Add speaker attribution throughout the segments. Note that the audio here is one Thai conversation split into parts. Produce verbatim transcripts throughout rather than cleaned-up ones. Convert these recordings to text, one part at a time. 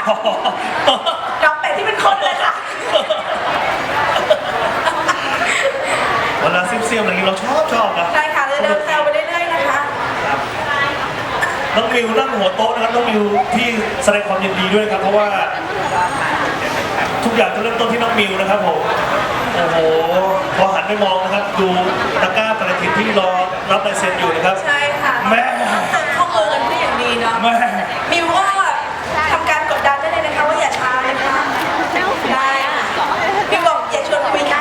Speaker 1: น้องเป็ดที่เป็นคนเลยค่ะ
Speaker 2: เวลาเซียมๆอะไรนี้เราชอบชอบนะ
Speaker 1: ได้ค่ะจะเดินแซวไปเรื่อยๆนะคะ
Speaker 2: น้องมิวนั่งหัวโต๊ะนะครับน้องมิวที่แสดงความยินดีด้วยครับเพราะว่าทุกอย่างจะเริ่มต้นที่น้องมิวนะครับผมโอ้โหพอหันไปมองนะครับดูตะกร้าปฏิทินที่รอรับลายเซ็นอยู่นะครับ
Speaker 1: ใช่ค่ะ
Speaker 2: แม่
Speaker 1: เซ็นข้อมือกันได้อย่างดีเนาะ
Speaker 2: แม่
Speaker 1: มิวก็ทำการกดดันได้เลยนะคะว่าอย่าช้าเลยค่ะได้มิวบอกอย่าชวนคุย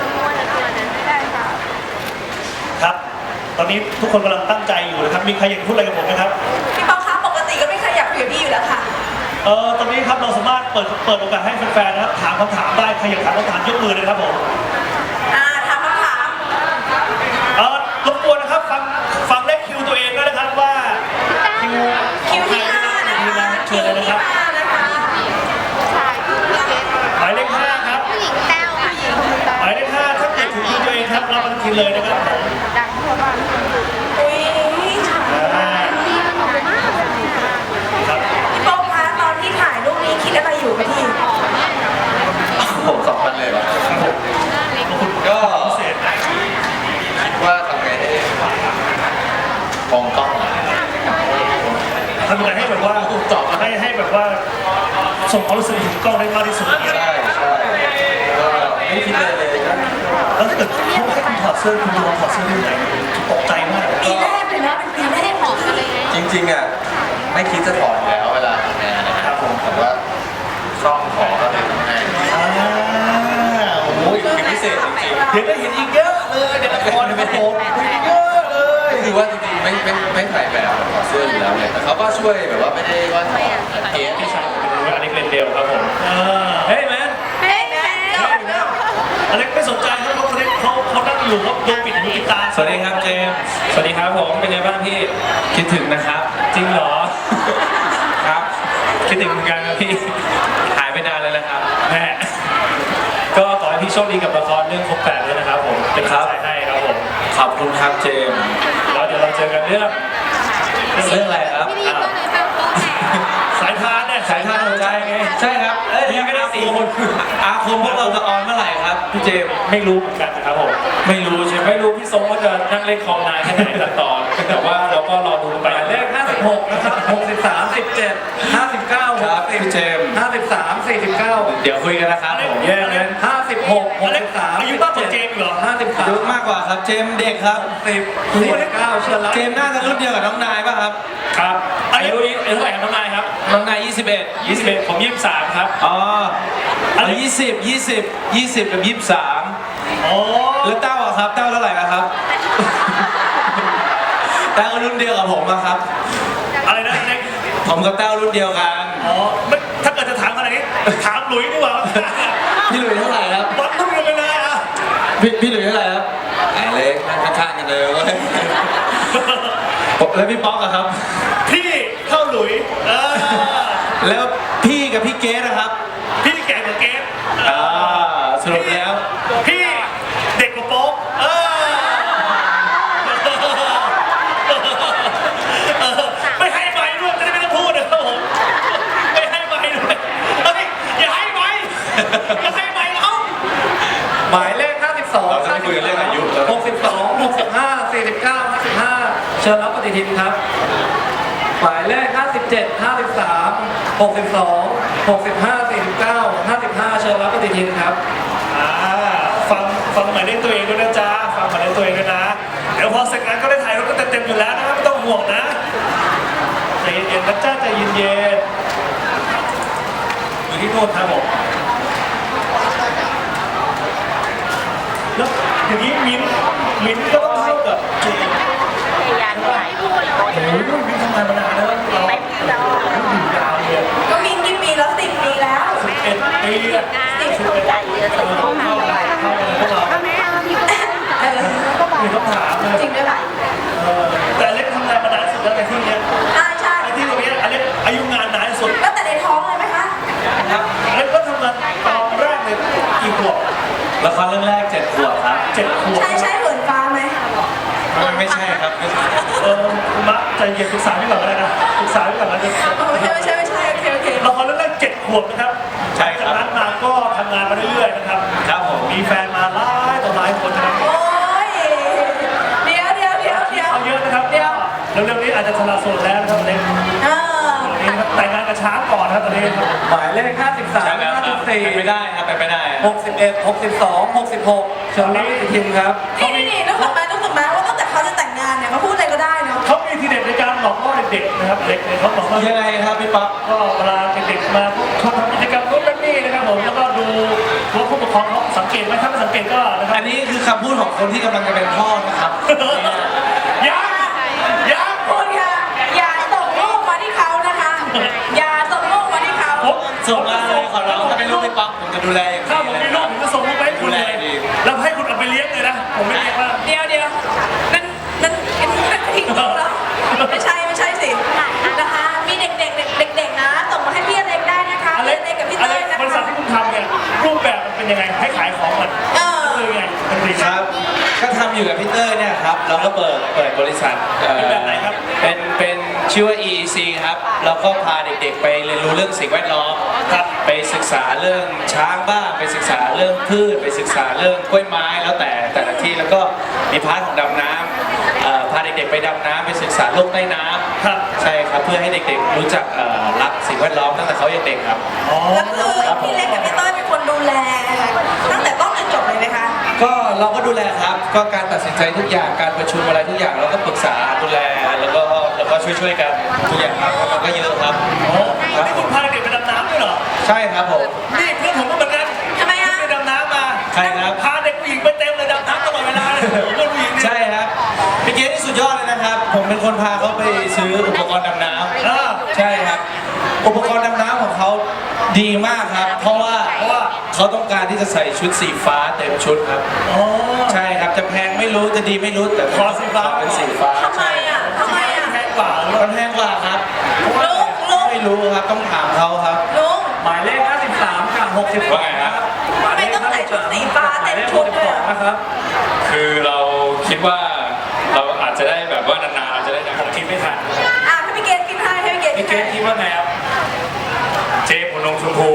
Speaker 1: นะครับ
Speaker 2: ตอนนี้ทุกคนกำลังตั้งใจอยู่นะครับมีใครอยากพูดอะไรกับผมไหมครับ
Speaker 1: พี่ปอคะปกติก็ไม่เคยอยากคุยกับพี่อยู่แล้วค่ะ
Speaker 2: เออตอนนี้ครับเราสามารถเปิดเปิดโอกาสให้แฟนๆนะครับถามคำถามได้ใครอยากถามคำถามยกมือเลยครับผม
Speaker 1: อ่าถามคำถาม
Speaker 2: เออรบกวนนะครับฟังฟังเลขคิวตัวเองด้วยนะครับว่าคิว
Speaker 1: คิวที่ห้านะคะ
Speaker 2: เชิญเลยนะครับหมายเลขห้าครับหมายเลขห้าถ้าเกิดถึงคิวตัวเองครับรับปฏิทินเลยนะครับ
Speaker 1: อุ้ย
Speaker 2: ครับ
Speaker 1: พี่โป๊คะตอนที่ถ่ายรูปนี้คิดอะไรอยู่พี่
Speaker 3: ผมสองพันเลยเหรอก็คิดว่าทำไงให้มองกล้อง
Speaker 2: ทำยังไงให้แบบว่าตอบให้ให้แบบว่าส่งความรู้สึกถึงกล้องได้มากที่สุด
Speaker 3: ใช่ใช่ก็ไม่คิดเลยเลยนะ
Speaker 2: แล้วถ้าเกิดเขาให้คุณถอดเสื้อคุณลองถอดเสื้อได้ไหนตกใจมาก
Speaker 1: ปีแรกเลยนะเป็นปีแรกของอะไร
Speaker 3: จริงๆอ่ะไม่คิดจะถอดแล้วเวลาทำงานนะครับผมแต่ว่าช่องขอก็เลยทำให้
Speaker 2: อ่าโอ้โห
Speaker 3: เป็นพิเศษจริงๆ
Speaker 2: เดี๋ยวได้เห็นอีกเยอะเลยเดี๋ยวละครนะครับผมเยอะเลย
Speaker 3: คือว่าจริงๆไม่ไม่ไม่ถ่ายแบบถอดเสื้ออยู่แล้วเนี่ยแต่เขาก็ช่วยแบบว่าไม่ได้ว่าถอดเกส
Speaker 2: พี่ชายเป็นอเล็กเลนเดลครับผมเฮ้ยแมน
Speaker 1: เฮ้ยแมน
Speaker 2: อเล็กไม่สนใจครับเขาเขาเขานั่งอยู่เขาโดนปิดหูปิดตา
Speaker 4: สวัสดีครับเจมส์สวัสดีครับผมเป็นไงบ้างพี่คิดถึงนะครับจริงเหรอครับคิดถึงเหมือนกันครับพี่หายไปนานเลยนะครับแม่ก็ขอให้พี่โชคดีกับละครเรื่องครบแปดด้วยนะครับผมเป็นกำลังใจให้ครับผมขอบคุณครับเจมส์แล้วเดี๋ยวเราเจอกันเรื่องเรื่องอะไรครับ
Speaker 2: สายทานเนี่ย
Speaker 4: สายทานหัวใจไงใช่ครับเอ้ยยังไม่ได้สี่คนอาคมพวกเราจะออนเมื่อไหร่ครับพี่เจมส์ไม่รู้เหมือนกันครับผมไม่รู้ใช่ไหมไม่รู้พี่ทรงว่าจะนั่งเล่นคอมนานแค่ไหนตัดต่อแต่ว่าเราก็รอดูไป
Speaker 5: เลขห้าสิบหกนะครับหกสิบสาม สิบเจ็ด ห้าสิบเก้า
Speaker 4: ครับพี่เจมส์
Speaker 5: ห้าสิบสาม สี่สิบเก้า
Speaker 4: เดี๋ยวคุยกันนะครับผม
Speaker 5: แย่เลยห้าสิบหก หกสิบสาม
Speaker 2: อายุมากกว่าเจมส์เหรอ
Speaker 5: ห้าสิบสาม
Speaker 4: อายุมากกว่าครับเจมส์เด็กครับ
Speaker 5: สิบ สี่สิบเก้าเชิญรับ
Speaker 4: เจมส์น่าจะรุ่นเดียวกับน้องนายป่ะครับ
Speaker 2: ครับอายุนี้อายุเท่าไหร่ครับน้องนายครับ
Speaker 4: น้องนายยี่สิบเอ็ด
Speaker 2: ยี่สิบเอ็ดผมยี่สิบสามครับ
Speaker 4: อ๋ออายุยี่สิบ ยี่สิบ ยี่สิบกับยี่สิบสาม
Speaker 2: อ๋อ
Speaker 4: แล้วเต้าอะครับเต้าเท่าไหร่ครับเต้ารุ่นเดียวกับผมอะครับ
Speaker 2: อะไรนะเล็ก
Speaker 4: ผมกับเต้ารุ่นเดียวกัน
Speaker 2: อ๋อถ้าเกิดจะถามขนาดนี้ถามหลุยดีกว่า
Speaker 4: พี่หลุยเท่าไหร่ครับ
Speaker 2: วัดรุ่นกันไปเลยอ่ะ
Speaker 4: พี่พี่หลุยเท่าไหร่ครับ
Speaker 3: ไอ้เล็กนั่งข้างๆกันเลยเว้ย
Speaker 4: แล้วพี่ป๊อกอะครับ
Speaker 2: พี่เท่าหลุยเออ
Speaker 4: แล้วพี่กับพี่เกสนะครับ
Speaker 2: พี่แก่กว่าเกส
Speaker 4: อ่าสรุปแล้ว
Speaker 2: พี่เด็กกว่าโป๊กเออไม่ให้ไม้ด้วยจะได้ไม่ต้องพูดนะครับผมไม่ให้ไม้ด้วยเฮ้ยอย่าให้ไม้อย่าให้ไม้เขา
Speaker 5: หมายเลขห้าสิบสอง
Speaker 3: เราจะไม่คุยกันเรื่องอายุ
Speaker 5: หกสิบสอง หกสิบห้า สี่สิบเก้า ห้าสิบห้าเชิญรับปฏิทินครับหมายเลขห้าสิบเจ็ด ห้าสิบสาม หกสิบสอง หกสิบห้า สี่สิบเก้า ห้าสิบห้าเชิญรับปฏิทินครับ
Speaker 2: อ่าฟังฟังหมายเลขตัวเองด้วยนะจ๊ะฟังหมายเลขตัวเองด้วยนะเดี๋ยวพอเสร็จงานก็ได้ถ่ายรูปก็เต็มๆอยู่แล้วนะครับไม่ต้องห่วงนะใจเย็นๆนะจ๊ะใจเย็นๆอยู่ที่โน่นครับผมแล้วอย่างนี้มิ้นมิ้นก็ต้องเท่ากับเจมโอ้โหมิ้นทำงานมานานแล้วเราอยู่ยาวเลย
Speaker 1: ก็มินกี่ปีแล้วสิบปีแล้ว
Speaker 2: สิบเอ็ดปีอะสิบเอ็ดปีเท่าไหร่เท่าไหร่พวกเรามีคำถามเลย
Speaker 1: จริงด้วยป่ะ
Speaker 2: แต่เล็กทำงานมานานสุดแล้วในที่นี้
Speaker 1: อ่าใช่
Speaker 2: ในที่ตรงนี้อเล็กอายุงานนานสุด
Speaker 1: ตั้งแต่ในท้องเลยไหมคะ
Speaker 2: ครับอเล็กก็ทำงานตอนแรกเลยกี่ขวบ
Speaker 4: ละครเรื่องแรกเจ็ดขวบครับ
Speaker 2: เจ็ดขวบ
Speaker 1: ใช่ใช่เหินฟ้าไหม
Speaker 4: ไม่ใช่ครับ
Speaker 2: เออมะใจเย็นปรึกษาพี่ก่อนก็ได้นะปรึกษาพี่ก่อนนะ
Speaker 1: ไม่ใช่ไม่ใช่ไม่ใช่โอเคโอเค
Speaker 2: ละครเรื่องแรกเจ็ดขขวบนะครับ
Speaker 4: ใช่ครับ
Speaker 2: จากนั้นมาก็ทำงานมาเรื่อยๆนะครับ
Speaker 4: ครับผม
Speaker 2: มีแฟนมาหลายต่อหลายคนนะครับ
Speaker 1: โอ้ยเดี๋ยวเดี๋ยวเดี๋ยวเดี๋ยว
Speaker 2: เอาเยอะนะครับ
Speaker 1: เดี๋ยว
Speaker 2: เร็วๆนี้อาจจะสละโสดแล้วนะครับเล็ก
Speaker 1: เออ
Speaker 2: นี่ครับแต่งงานกับช้างก่อนครับตอนนี้ครับ
Speaker 5: หมายเลขห้าสิบสาม
Speaker 4: ใช่แล้วครับ
Speaker 5: ห้าสิบสี่
Speaker 4: เป็นไปได้ครับเป็นไปได้
Speaker 5: หกสิบเอ็ด หกสิบสอง หกสิบหกเชิญรับปฏิทินครับ
Speaker 1: นี่นี่นี่นึกถึงไหมนึกถึงไหมว่าตั้งแต่เขาจะแต่งงานเนี่ยเขาพูดอะไรก็ได้เนาะ
Speaker 2: เขามีทีเด็ดในการหลอกล่อเด็กๆนะครับเด็กเนี่ยเขาบอกว่า
Speaker 4: ยังไงครับพี่ป๊อป
Speaker 2: ก็เวลาเด็กๆมาชอบทำกิจกรรมนู้นนั่นนี่นะครับผมแล้วก็ดูว่าผู้ปกครองเขาสังเกตไหมถ้าไม่สังเกตก็นะครับ
Speaker 4: อันนี้คือคำพูดของคนที่กำลังจะเป็นพ่อนะครับ
Speaker 2: ยังยัง
Speaker 1: คุณค่ะอย่าส่งลูกมาที่เขานะคะ อย่าส่งลูกมาที่เขา
Speaker 2: ผม
Speaker 4: ส่งมาเลยขอร้องถ้าเป็นลูกพี่ป๊อปผมจะดูแลอย่าง
Speaker 2: ถ้า
Speaker 4: ดี
Speaker 2: ผม
Speaker 4: เลย
Speaker 2: มีลูกผมจะส่งลูกไปให้คุณเลย
Speaker 4: ดูแลดี
Speaker 2: แล้วให้คุณเอาไปเลี้ยงเลยนะผมไม่เลี้ยงว่า
Speaker 1: เดี๋ยวเดี๋ยวนั่นนั่นนั่นทิ้งลูกแล้วไม่ใช่ไม่ใช่สินะคะมีเด็กๆเด็กเด็กๆนะส่งมาให้พี่อเล็กได้นะคะ
Speaker 2: อ
Speaker 1: พี่
Speaker 2: เล็
Speaker 1: อก เล็กกับพี่
Speaker 2: อ
Speaker 1: เต้
Speaker 2: เล็
Speaker 1: ย
Speaker 2: ก
Speaker 1: นะ
Speaker 2: บริษัท
Speaker 1: คะ
Speaker 2: ที่คุณทำเนี่ยรูปแบบมันเป็นยังไงให้ขายของมัน
Speaker 1: เออ
Speaker 2: คือยังไงเป็นดี
Speaker 4: ครับ ก็ทำอยู่กับพี่เตอร์เนี่ยครับ เราก็เปิดเปิดบริษัทเอ่อ
Speaker 2: เป็นแบบไหนครับ
Speaker 4: เป็นเป็นชื่อว่า อี อี ซี ครับ แล้วก็พาเด็กๆ ไปเรียนรู้เรื่องสิ่งแวดล้อม
Speaker 2: ครับ
Speaker 4: ไปศึกษาเรื่องช้างบ้าง ไปศึกษาเรื่องพืช ไปศึกษาเรื่องกล้วยไม้ แล้วแต่แต่ละที่ แล้วก็มีพาร์ทของดำน้ำเอ่อพาเด็กๆ ไปดำน้ำไปศึกษาโลกใต้น้ำ
Speaker 2: ครับ
Speaker 4: ใช่ครับ เพื่อให้เด็กๆ รู้จักเอ่อรักสิ่งแวดล้อมตั้งแต่เขายังเด็กครับ
Speaker 2: อ๋อ
Speaker 1: แล้วคือพี่เล็กกับพี่เต้ยเป็นคนดูแลตั้งแต่ต้นจนจบเลยไหมคะ
Speaker 4: ก็เราก็ดูแลครับ ก็การตัดสินใจทุกอย่าง การประชุมอะไรทุกอย่างเราก็ปรึกษาดูแล แล้วก็แล้วก็ช่วยๆกันทุกอย่างครับเพราะมันก็เยอะครับ
Speaker 2: อ๋อนี่คุณพาเด็กไปดำน้ำด้วยเหรอ
Speaker 4: ใช่ครับผม
Speaker 2: นี่เพื่อนผมก็เหมือนกัน
Speaker 1: ทำไมอะ
Speaker 2: ไปดำน้ำมา
Speaker 4: ใช่ครับ
Speaker 2: พาเด็กผู้หญิงไปเต็มเลยดำน้ำตลอดเวลาเลยผมเพื่อนผู้หญิงเนี่ย
Speaker 4: ใช่ครับพี่เกดนี่สุดยอดเลยนะครับ ผมเป็นคนพาเขาไปซื้ออุปกรณ์ดำน้
Speaker 2: อ่า
Speaker 4: ำใช่ครับ อุปกรณ์ดำน้ำของเขาดีมากครับ เพราะว่าเพราะว่าเขาต้องการที่จะใส่ชุดสีฟ้าเต็มชุดครับ
Speaker 2: อ๋อ
Speaker 4: ใช่ครับจะแพงไม่รู้จะดีไม่รู้แต่
Speaker 2: ขอสีฟ้า
Speaker 4: เป็นสีฟ้า
Speaker 1: ทำไมอ่ะทำไมอ่ะ
Speaker 2: แพงกว่าหรือ
Speaker 4: มั
Speaker 2: ว่าน
Speaker 4: แพงกว่าครับ
Speaker 1: ลุงลุง
Speaker 4: ไม่รู้ครับต้องถามเขาครับ
Speaker 1: ลุง
Speaker 5: หมายเลขห้าสิบสามกับหกสิบ
Speaker 4: ว่าไงครับ
Speaker 5: หมายเลข
Speaker 1: ทำไมต้องใส่ชุดสีฟ้าเต็มชุดด้วยอะ
Speaker 5: นะครับ
Speaker 4: คือเราคิดว่าเราอาจจะได้แบบว่านานๆเราจะได้ดัง
Speaker 2: ผมคิดไม่ทัน
Speaker 1: อ่ะให้พี่เกดกินให้ให้พี่เกดกิ
Speaker 5: พี่
Speaker 1: น
Speaker 5: เก
Speaker 1: ให้
Speaker 5: ดคิดว่าไงครับ
Speaker 4: เจ๊ผมลงชมพู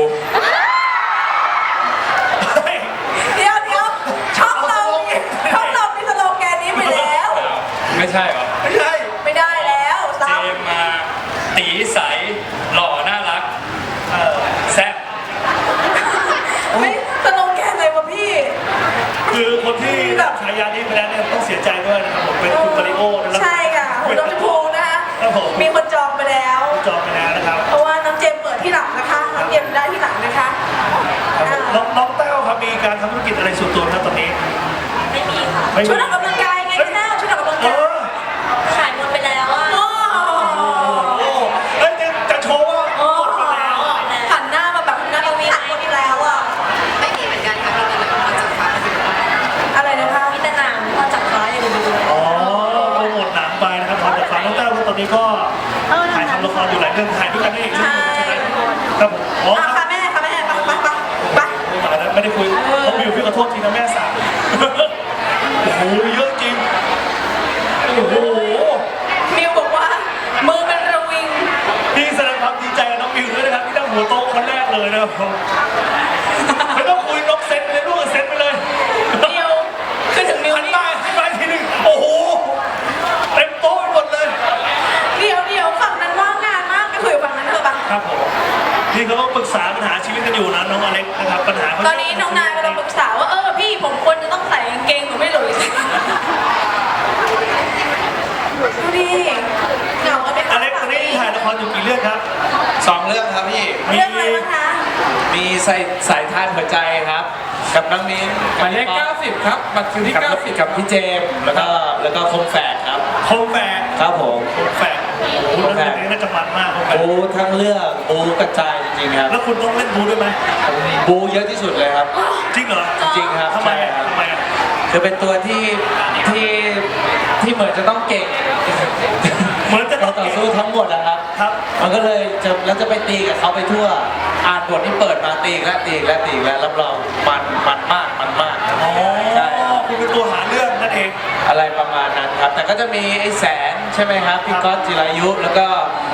Speaker 2: เฮ้ย
Speaker 1: เดี๋ยวเดี๋ยวช่องเราช่องเรามีสโลแกนนี้ไปแล้ว
Speaker 4: ไม่ใช่เหรอ
Speaker 2: ไม่ใช่
Speaker 1: ไม่ได้แล้ว
Speaker 4: เจ
Speaker 1: ซ้ำ
Speaker 4: มมาตีใสหล่อน่ารัก
Speaker 2: เออ
Speaker 4: แซ่บ
Speaker 1: ไม่สโลแกนอะไรวะพี่
Speaker 2: คือคนที่ได้ฉายานี้ไปแล้วเนี่ยต้องเสียใจด้วยนะครับผมเป็นคุณมาริโอนะครับ
Speaker 1: ใช่ค่ะคุณน้องชมพูนะคะ
Speaker 2: ครับผม
Speaker 1: มีคนจองไปแล้ว
Speaker 2: จองไปแล้วนะครับ
Speaker 1: เพราะว่าน้องเจมส์เปิดที่หลังนะคะ น้องเจมส์ได้ที่หลังนะคะ
Speaker 2: ครับผมน้องน้องแต้วครับมีการทำธุรกิจอะไรส่วนตัวครับตอนนี้
Speaker 1: ไม่มีค่ะ
Speaker 2: ไม่มี
Speaker 1: ชุดออกกำลังกายไงพี่แต้วชุดออกกำลัง
Speaker 2: เอก
Speaker 1: าย
Speaker 2: อ
Speaker 1: ขายหมดไปแล้วอ่ะโอ้
Speaker 2: โอ้เอ้ยจะจะโชว์ว่าหมดไปแล้ว
Speaker 1: หันหน้ามาแบบหน้าเรามีขายหมดไปแล้วอ่ะ
Speaker 6: ไม่มีเหมือนกันค่ะมีแต่แบบพอจับฟ้ามาอยู่
Speaker 1: อะไรนะคะมีแต่หนังพอจับฟ้าอย่างเดียว
Speaker 2: อ๋อโปรโมทหนังไปนะครับพอจากฟังน้องแต้วตอนนี้ก็ถ่ายทำละครอยู่หลายเรื่องถ่ายด้วยกันนี่อีกเรื่องหนึงใช่ไหมครับผมอ๋อ
Speaker 1: อ่ะ
Speaker 2: ครั
Speaker 1: ค่ะ
Speaker 2: บ
Speaker 1: แม่ค่ะแม่ไปไปไปไป
Speaker 2: ไม่มาแล้วไม่ได้คุยผมอยู่พี่ขอโทษทีนะแม่สาวโอ้โหเยอะจริงโอ้โห
Speaker 1: มิวบอกว่ามือเป็นระวิง
Speaker 2: พี่แสดงความดีใจกับน้องมิวด้วยนะครับที่นั่งหัวโต๊ะคนแรกเลยนะครับผมไม่ต้องคุยน้องเซ็ตไปเลยลูกเซ็ตไปเลย
Speaker 1: มิวคือถึงมิว
Speaker 2: หัน
Speaker 1: นี่
Speaker 2: มาหันมาทีหนึงโอ้โหเต็มโต๊ะไปหมดเลย
Speaker 1: เดี๋ยวเดี๋ยวฝั่งนั้นว่างงานมากไปคุยกับฝั่งนั้นเถอะปะ
Speaker 2: ครับผมนี่เขาก็ปรึกษาปัญหาชีวิตกันอยู่นะน้องอเล็กนะครับปัญหาเขา
Speaker 1: ตอนนี้น้องนายกำลังปรึกษาว่าเออพี่ผมควรจะต้องใส่กางเกงหรือไม่หลุยสิดูดิเหงากันไหม
Speaker 2: อ
Speaker 1: คะ
Speaker 2: เล็กตอนนี้ถ่ายละครอยู่กี่เรื่องครับ
Speaker 4: สองเรื่องครับพี่
Speaker 1: เรื่องอะไรบ้างคะ
Speaker 4: มีใส่สายทานหัวใจครับ กับน้องมิ้น
Speaker 5: หมายเลขเก้าสิบครับ บัตรคิวที่
Speaker 4: กับ
Speaker 5: เก้าสิบ
Speaker 4: กับพี่เจมส์แล้วก็แล้วก็คมแฝดครับ
Speaker 2: โคมแฝก
Speaker 4: ครับผม
Speaker 2: โคมแฝกโอ้โหเรื่องนี้น่าจะมันมากโคมแฝก
Speaker 4: บูทั้งเรื่องบูกระจายจริงๆครับ
Speaker 2: แล้วคุณต้องเล่นบูด้วยไหม
Speaker 4: บูเยอะที่สุดเลยครับ
Speaker 2: จริงเหรอ
Speaker 4: จริงครับ
Speaker 2: ทำไม
Speaker 4: ใช่
Speaker 2: อ่ะ
Speaker 4: ครับ
Speaker 2: ทำไมอ่ะ
Speaker 4: คือเป็นตัวที่ที่ที่เหมือนจะต้องเก่ง
Speaker 2: เหมือนจะต้
Speaker 4: เรา
Speaker 2: อง
Speaker 4: ต่อ
Speaker 2: เก่ง
Speaker 4: สู้ทั้งหมดนะครับ
Speaker 2: ครับ
Speaker 4: มันก็เลยจะแล้วจะไปตีกับเขาไปทั่ว อ่านบทที่เปิดมาตีอีกแล้วตีอีกแล้วตีอีกแล้วรับรองมันมันมากมันมาก
Speaker 2: อ๋อ
Speaker 4: ใช่
Speaker 2: คุณเป็นตัวหาเรื่องนั่นเอง
Speaker 4: อะไรประมาณนั้นครับ แต่ก็จะมีไอ้แสนใช่ไหมครับพี่ก๊อตจิรายุ แล้วก็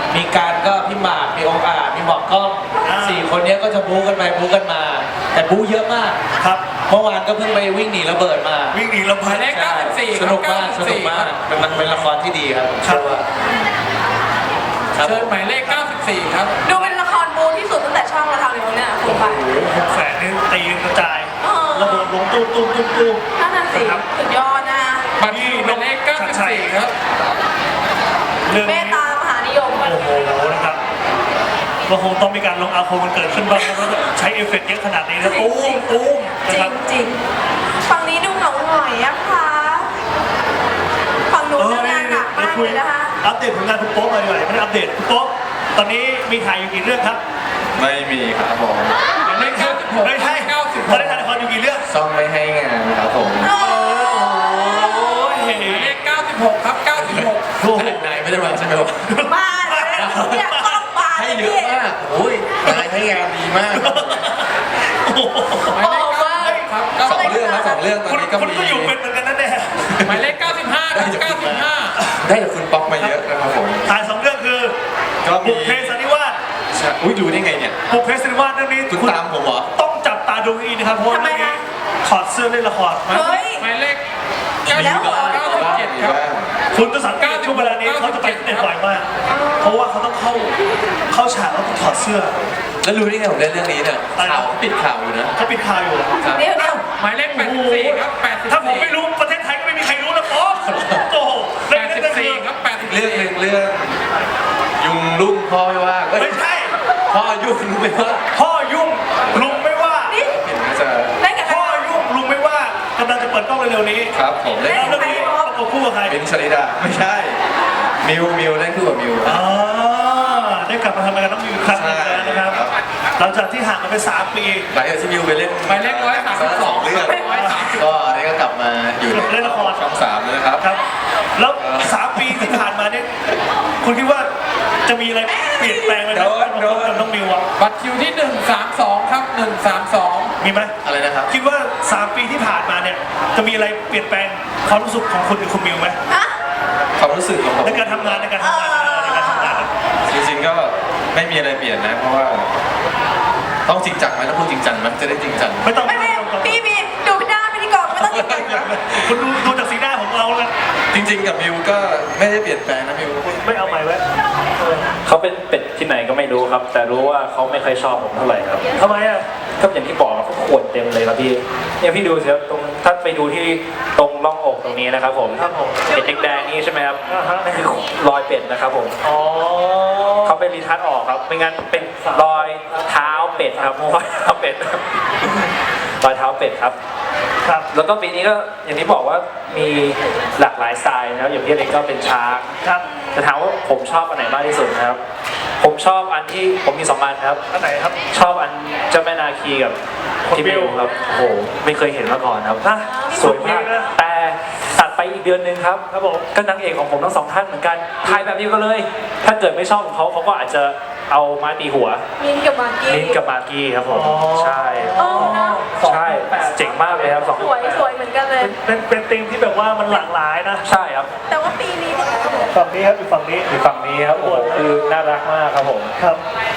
Speaker 4: มีการก็พี่หมากมีองค์อาจมีหมอกกล้องสี่คนเนี้ยก็จะบู๊กันไปบู๊กันมา แต่บู๊เยอะมาก
Speaker 2: ครับ
Speaker 4: เมื่อวานก็เพิ่งไปวิ่งหนีระเบิดมา
Speaker 2: วิ่งหนีลำ
Speaker 5: ห
Speaker 2: พั
Speaker 5: มาน ยเลขเก้าสิบสี่
Speaker 4: สนุกมากสนุกมากเป็นมันเป็นละครที่ดีครับผม
Speaker 2: ครั
Speaker 4: เชื่
Speaker 2: บ
Speaker 4: อว่าครับ
Speaker 5: เชิญหมายเลขเก้าสิบสี่ครับ
Speaker 1: ดูเป็นละครบูที่สุดตั้งแต่ช่องเราทำเลยมั้งเนี่ยคุณไป
Speaker 2: หกแสนนี่ตีกระจาย
Speaker 1: เออ
Speaker 2: ระเบิดลงตุ้มตุ้มตุ้มตุ้ม
Speaker 1: นั่นน่ะสิสุดยอดนะ
Speaker 5: บัตรคิวหมายเลขเก้าสิบสี่ครับ
Speaker 2: เรื่อง
Speaker 1: เม
Speaker 2: นี้
Speaker 1: ตตามหานิยม
Speaker 2: โอ้โหนะครับก็คงต้องมีการลงอาคมมันเกิดขึ้นบ้างเพราะว่าใช้เอฟเฟกต์เยอะขนาดนี้นะตุ้มตุ้ม
Speaker 1: จ
Speaker 2: นะ
Speaker 1: ริ
Speaker 2: ครั
Speaker 1: ง
Speaker 2: บ
Speaker 1: จริงฝั่งนี้ดูเหงาหน่อยอะค่ะฝั่งหนู
Speaker 2: เออ
Speaker 1: ทำงานหนัก
Speaker 2: มาม
Speaker 1: าก
Speaker 2: คุ
Speaker 1: เลย ยนะคะ
Speaker 2: อัปเดตผลงานคุณโป๊ปมาดีกว่าไม่ได้อัปเดตคุณโป๊ปตอนนี้มีถ่ายอยู่กี่เรื่องครับ
Speaker 3: ไม่มีครับผม
Speaker 5: หมายเลขเก้าสิบหก
Speaker 2: ไม่ใช่
Speaker 5: เก้าสิบ
Speaker 2: ต
Speaker 5: ห
Speaker 2: อน
Speaker 5: ก
Speaker 2: นี้ถ่ายละครอยู่กี่เรื่อง
Speaker 3: ซ่อมไม่ให้งานครับผม
Speaker 1: โอ้
Speaker 2: โอ้ย
Speaker 5: หมายเลขเก้าสิบหกครับเก้าสิบหก
Speaker 2: โอ้โห
Speaker 3: นายไม่ได้มาใช่ไหมวะ
Speaker 1: มาเลยเนี่ยต้องมา
Speaker 3: ให้
Speaker 1: เลย
Speaker 3: เย
Speaker 1: พี่
Speaker 3: อะมากโอ้ยนายให้งานดีมาก
Speaker 5: หมายเลขเก้าสิบครับ
Speaker 3: สองเรื่องนะสองเรื่องตอน
Speaker 2: คุณ
Speaker 3: นี้ก็
Speaker 2: คุณ
Speaker 3: มี
Speaker 2: ก็อยู่เป็นเหมือนกันนั่นแหละ
Speaker 5: หมายเลขเก้าสิบห้าครับเก้าสิบห้า
Speaker 3: ได้จากคุณป๊อกมาเยอะนะครับผม
Speaker 2: ถ่ายสองเรื่องคือ
Speaker 3: ก็มี
Speaker 2: บุพเพสันนิวาส
Speaker 3: ใช่อุ้ยดูได้ไงเนี่ย
Speaker 2: บุพเพสันนิวาสเรื่องนี้
Speaker 3: คุณตามผมเหรอ
Speaker 2: ต้องจับตาดูให้ดีนะครับเพราะว่าเรื่องนี้ถอดเสื้อเล่นละคร
Speaker 1: เฮ้ย
Speaker 5: หมายเลข
Speaker 1: อีกแล้วเหรอ
Speaker 5: เก้าสิบเจ็ดครับ
Speaker 2: คุณจะสังเกตช่วงเวลานี้เขาจะไปฟิตเนสบ่อยมาก เพราะว่าเขาต้องเข้าเข้าฉากแล้วต้องถอดเสื้อ
Speaker 3: แล้วรู้ได้ไงผมเล่นเรื่องนี้เนี่ยข่าวปิดข่าวอยู่นะ
Speaker 2: เขาปิดข่าวอยู่
Speaker 3: ครับ
Speaker 1: เดี๋ยวเดี๋ยว
Speaker 5: หมายเลขแปดสิบสี่ครับแปดสิบ
Speaker 2: ถ้าผม
Speaker 5: สี่
Speaker 2: ไม่รู้ประเทศไทยก็ไม่มีใครรู้นะป๊อปโอ้โห
Speaker 5: แป
Speaker 2: เรื่อง
Speaker 5: ด
Speaker 2: นี้
Speaker 5: สิบ
Speaker 2: ก็คื
Speaker 5: สี่
Speaker 2: อ
Speaker 5: ครับแปดสิบ
Speaker 3: เรื่อง
Speaker 5: สี่
Speaker 3: หนึ่งเรื่องยุงลุ่มพ่อไม่ว่าเอ้ย
Speaker 2: ไม่ใช่
Speaker 3: พ่อยุ่งไม่ว่า
Speaker 2: พ่อยุ่งลุงไม่ว่า
Speaker 1: นี่
Speaker 3: เห็นน่าจะ
Speaker 1: ได้กับใคร
Speaker 2: พ่อยุ่งลุงไม่ว่ากำลังจะเปิดกล้องเร็วๆนี้
Speaker 3: ครับผมเล่น
Speaker 2: แล้วเรื่องนี้ประกบคู่กับใคร
Speaker 3: เป็นชลิดาไม่ใช่ มิวมิวเล่นคู่กับมิว
Speaker 2: อ๋อได้กลับมาทำงานกับน้องมิวอีกครั้งหนึงแล้วนะครับ หลังจากที่ห่างกันไปสามปี
Speaker 3: หลังจากที่มิวไปเล่น
Speaker 5: หมายเลขร้อยสามสิบสอง
Speaker 3: เรื่อง
Speaker 5: ร้อยสามสิบ
Speaker 3: ก็อันนี้ก็กลับมาอยู่ในช่องสามแล้วนะครับ
Speaker 2: ครับ แล้วสามปีที่ผ่านมาเนี่ยคุณคิดว่าจะมีอะไรเปลี่ยนแปลงไหมครับ
Speaker 3: โดนโดน
Speaker 2: กับน้องมิวอะ
Speaker 5: บัตรคิวที่หนึ่งสามสองครับหนึ่งสามสอง
Speaker 2: มีไหม
Speaker 3: อะไรนะครับ
Speaker 2: คิดว่าสามปีที่ผ่านมาเนี่ยจะมีอะไรเปลี่ยนแปลงความรู้สึกของคุณกับคุณมิวไหม
Speaker 1: ฮะ
Speaker 3: ความรู้สึกของผม
Speaker 2: ในการทำงานในการทำงานในการทำงาน
Speaker 3: จริงๆก็ไม่มีอะไรเปลี่ยนนะ เพราะว่า ต้องจริงจังไหมต้องพูดจริงจังไหมจะได้จริงจัง
Speaker 2: ไม่ต้อง
Speaker 1: ไม่ไม่พี่พี่ดูหน้าพิธีกรไม่ต้องติดกัน
Speaker 2: คุณดูดูจากสีหน้าของเราแล้ว
Speaker 3: จริง ๆ กับมิวก็ไม่ได้เปลี่ยนแปลงนะมิว
Speaker 2: ไม่เอาใหม่ไว้
Speaker 7: เขาเป็นเป็ดที่ไหนก็ไม่รู้ครับ แต่รู้ว่าเขาไม่เคยชอบผมเท่าไหร่ครับ
Speaker 2: ทำไมอ่ะ
Speaker 7: ก็อย่างที่บอกเขาขวนเต็มเลยครับพี่เนี่ยพี่ดูสิครับตรงถ้าไปดูที่ตรงร่องอกตรงนี้นะครับผม
Speaker 2: ครับผม
Speaker 7: เป็ดแดงๆนี่ใช่ไหมครับ
Speaker 2: อ่าฮะ
Speaker 7: นั่นคือรอยเป็ดนะครับผม
Speaker 2: อ๋อ
Speaker 7: เขาเป็นรีทัชออกครับไม่งั้นเป็นรอยเท้าเป็ดครับรอยเท้าเป็ดรอยเท้าเป็ดครับ
Speaker 2: ครับ
Speaker 7: แล้วก็ปีนี้ก็อย่างที่บอกว่ามีหลากหลายสไตล์นะครับอย่างพี่เล็กก็เป็นช้าง
Speaker 2: ครับ
Speaker 7: จะถามว่าผมชอบอันไหนมากที่สุดนะครับ ผมชอบอันที่ผมมีสองอันครับ
Speaker 2: อันไหนครับ
Speaker 7: ชอบอันเจ้าแม่นาคีกับ
Speaker 2: คน
Speaker 7: ที่
Speaker 2: บิ
Speaker 7: บิ
Speaker 2: ว
Speaker 7: วครับโอ้โหไม่เคยเห็นมาก่อนครับ
Speaker 2: ฮะ
Speaker 7: สวยมาก
Speaker 2: สวยนะ
Speaker 7: แต่ตัดไปอีกเดือนหนึ่งครับ
Speaker 2: ครับผม
Speaker 7: ก็นางเอกของผมทั้งสองท่านเหมือนกันถ่ายแบบเดียวกันเลย ถ้าเกิดไม่ชอบของเขาเขาก็อาจจะเอาไม้ตีหัว
Speaker 1: มินกับมากกี้
Speaker 7: นิ้นกับมากกี้ครับผม
Speaker 2: อ๋อ
Speaker 7: ใช่
Speaker 1: โอ้เนอะ
Speaker 7: ใช่เจ๋งมากเลยครับสอง
Speaker 1: สวยสวยเหมือนกันเลย
Speaker 2: เป็นเป็นธีมที่แบบว่ามันหลากหลายนะ
Speaker 7: ใช่ครับ
Speaker 1: แต่ว่าปีนี้เนี่ย
Speaker 2: ฝั่งนี้ครับอีกฝั่งนี้
Speaker 7: อยู่ฝั่งนี้ครับโอ้โหคือน่ารักมากครับผม
Speaker 2: ครับ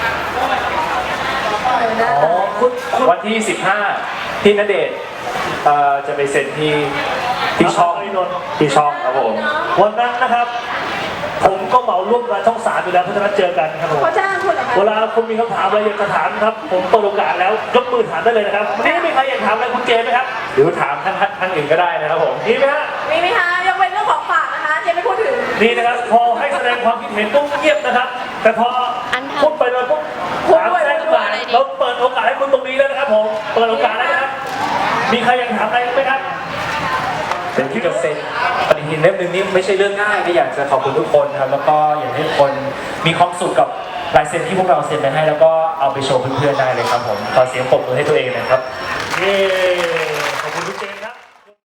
Speaker 1: เออนะ
Speaker 2: อ๋อคุณคุณ
Speaker 7: วันที่สิบห้าพี่ณเดชน์เอ่อจะไปเซ็นที่ที่ช่องที่ช่องครับผม
Speaker 2: วันนั้นนะครับ ผมก็เหมาร่วมกับช่องสามอยู่แล้วเพราะฉะนั้นเจอกันครับผม
Speaker 1: เขาจ้างคุณเหรอคะ
Speaker 2: เวลาคุณมีคำถามอะไรอยากจะถามครับ ผมเปิดโอกาสแล้วยกมือถามได้เลยนะครับวันนี้มีใครอยากถามอะไรคุณเจไหมครับ
Speaker 7: หรือถามท่านท่านอื่นก็ได้นะครับผม
Speaker 2: มีไหมฮะ
Speaker 1: มีไหมคะยังเป็นเรื่องของฝากนะคะเจ๊ไม่พูดถึง
Speaker 2: นี่นะครับพอให้แสดงความคิดเห็นปุ๊บเงียบนะครับ แต่พอพูดไปเลยปุ๊บถามแทรกขึ้นมาเราเปิดโอกาสให้คุณตรงนี้แล้วนะครับผมเปิดโอกาสแล้วนะครับมีใครอยากถามอะไรไหมครับ
Speaker 7: เป็นที่จะเซ็นปฏิทินเล่มหนึ่งนี่ไม่ใช่เรื่องง่ายก็อยากจะขอบคุณทุกคนครับแล้วก็อยากให้ทุกคนมีความสุขกับลายเซ็นที่พวกเราเซ็นไปให้ แล้วก็เอาไปโชว์เพื่อนๆได้เลยครับผมขอเสียงปรบมือให้ตัวเองหนะครับ
Speaker 2: เย้